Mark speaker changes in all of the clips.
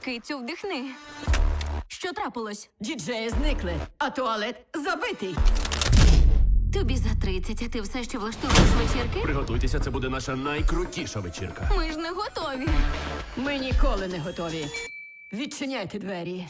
Speaker 1: Кицю, вдихни. Що трапилось?
Speaker 2: Діджеї зникли, а туалет забитий.
Speaker 1: Тобі за 30, а ти все ще влаштовуєш вечірки?
Speaker 3: Приготуйтеся, це буде наша найкрутіша вечірка.
Speaker 1: Ми ж не готові.
Speaker 2: Ми ніколи не готові. Відчиняйте двері.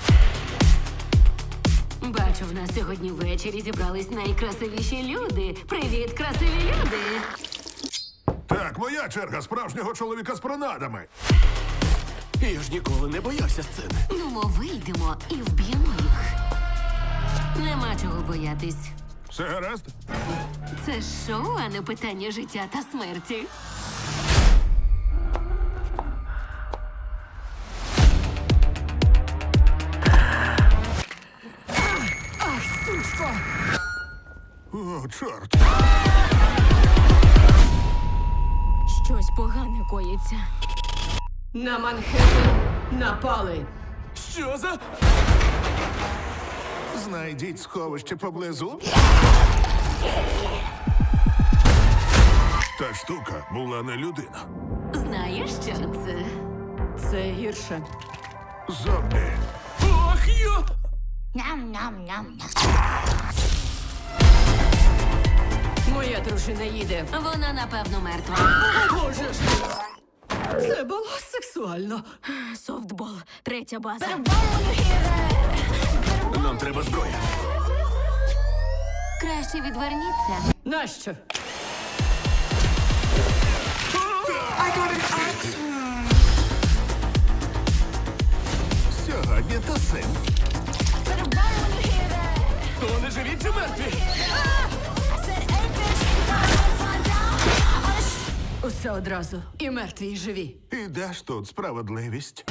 Speaker 1: Бачу, в нас сьогодні ввечері зібрались найкрасивіші люди. Привіт, красиві люди!
Speaker 4: Так, моя черга справжнього чоловіка з пронадами.
Speaker 3: Я ж ніколи не боявся сцени.
Speaker 1: Ну, ми вийдемо і вб'ємо їх. Нема чого боятись.
Speaker 4: Все гаразд?
Speaker 1: Це ж шоу, а не питання життя та смерті.
Speaker 4: О, чорт.
Speaker 1: Щось погане коїться.
Speaker 2: На Манхеттен напали.
Speaker 3: Що за?
Speaker 4: Знайдіть сховище поблизу. Та штука була не людина.
Speaker 1: Знаєш, що це?
Speaker 2: Це гірше.
Speaker 4: Зомбі.
Speaker 3: Ох, йо!
Speaker 2: Моя дружина їде.
Speaker 1: Вона, напевно, мертва.
Speaker 2: Боже ж! Це було сексуально.
Speaker 1: Софтбол. Третя база.
Speaker 3: Нам треба зброя.
Speaker 1: Краще відверніться.
Speaker 2: Нащо?
Speaker 4: Сьогодні то син.
Speaker 3: То вони живі чи мертві?
Speaker 2: Усе одразу. І мертві, і живі.
Speaker 4: І де ж тут справедливість?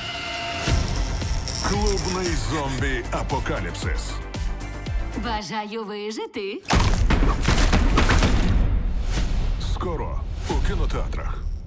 Speaker 4: Клубний зомбі-апокаліпсис.
Speaker 1: Бажаю вижити.
Speaker 4: Скоро у кінотеатрах.